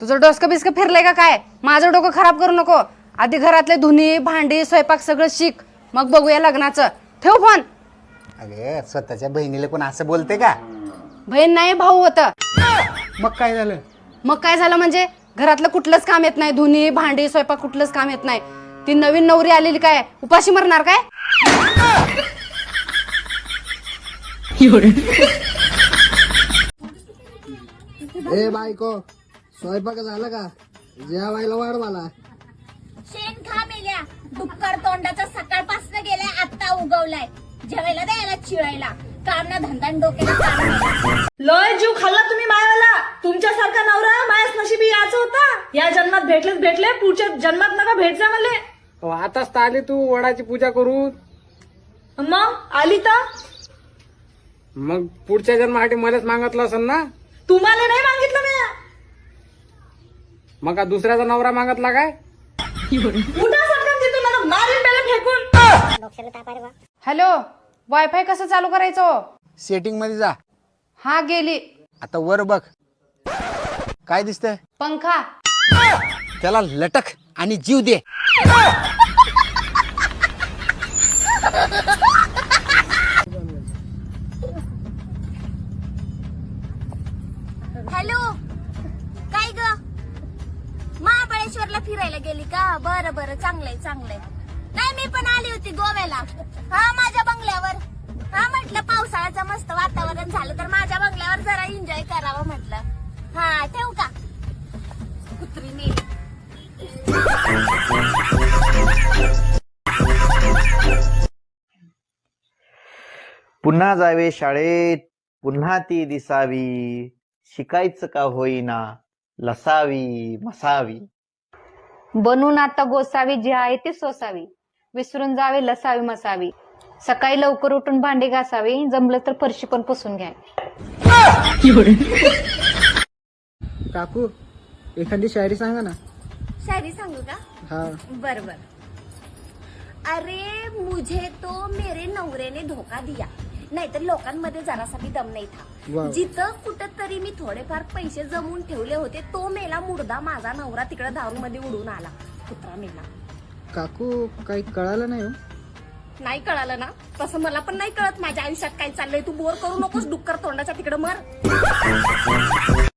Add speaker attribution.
Speaker 1: तुझं डोसकं बिस्कं फिरलंय का काय? माझं डोकं खराब करू नको. आधी घरातले धुनी भांडी स्वयंपाक सगळं शिक, मग बघूया लग्नाचं. ठेव फोन.
Speaker 2: अगे स्वतःच्या बहिणीला कोण असं बोलते का?
Speaker 1: बहीण नाही भाऊ होतं.
Speaker 2: मग काय झालं?
Speaker 1: मग काय झालं म्हणजे घरातलं कुठलंच काम येत नाही, धुनी भांडी स्वयंपाक कुठलंच काम येत नाही. ती नवीन नवरी आलेली काय उपाशी मरणार काय?
Speaker 3: ए बायको, स्वयंपाक झाला का? जेवायला वाढ मला.
Speaker 4: शेण खा मेल्या, डुक्कर तोंडाचा सकाळपासून गेलाय, आता उगवलाय. जेवायला द्यायला चिळायला काम ना धंदा डोक्याला काम.
Speaker 5: लय जीव खाल्ला तुम्ही मायाला. तुमच्यासारखा नवरा मायाच नशिबी याचा होता. या जन्मात भेटले, पुढच्या जन्मात नका भेटजा मले.
Speaker 3: आताच तर आली तू वडाची पूजा करू.
Speaker 5: मग आली तर
Speaker 3: मग पुढच्या जन्मासाठी मलाच मागितलं असेल ना?
Speaker 5: तुम्हाला नाही मागितलं मी.
Speaker 3: मग का दुसऱ्याचा नवरा मागितला काय?
Speaker 5: उठा सटकन तिथून, मला मारीन पहिले फेकून.
Speaker 1: हॅलो, वायफाय कसं चालू करायचं?
Speaker 2: सेटिंग मध्ये जा.
Speaker 1: हा गेली.
Speaker 2: आता वर बघ, काय दिसतंय?
Speaker 1: पंखा.
Speaker 2: त्याला लटक आणि जीव दे.
Speaker 4: हॅलो, काय ग? महाबळेश्वरला फिरायला गेली का? बरं बरं, चांगलंय चांगलंय. नाही, मी पण आली होती गोव्याला. हा, माझ्या बंगल्यावर. हा, म्हटलं पावसाळ्याचं मस्त वातावरण झालं तर माझ्या बंगल्यावर जरा एन्जॉय करावं म्हटलं. हा, ठेवू का? कुत्री मेली.
Speaker 6: पुन्हा जावे शाळेत, पुन्हा ती दिसावी, शिकायचं का होईना, लसावी मसावी.
Speaker 7: बनून आता गोसावी, जी आहे ती सोसावी, विसरून जावे लसावी मसावी. सकाळी लवकर उठून भांडी घासावी, जमलं तर फरशी पण पुसून घ्यावी.
Speaker 3: काकू, एखादी शायरी सांगा ना.
Speaker 4: शायरी सांगू का?
Speaker 3: हा.
Speaker 4: बर बर. अरे मुझे तो मेरे नवरे ने धोका दिया, नाहीतर लोकांमध्ये जरासा भी दम नाही था.
Speaker 3: वाव.
Speaker 4: जिथं कुठं तरी मी थोडेफार पैसे जमवून ठेवले होते, तो मेला मुर्दा. माझा नवरा तिकडे दारू मध्ये उडून आला. कुत्रा मेला.
Speaker 3: काकू, काही कळालं नाही हो?
Speaker 4: नाही कळालं ना? तसं मला पण नाही कळत माझ्या आयुष्यात काय चाललंय. तू बोर करू नकोस, डुक्कर तोंडाच्या तिकडे मर.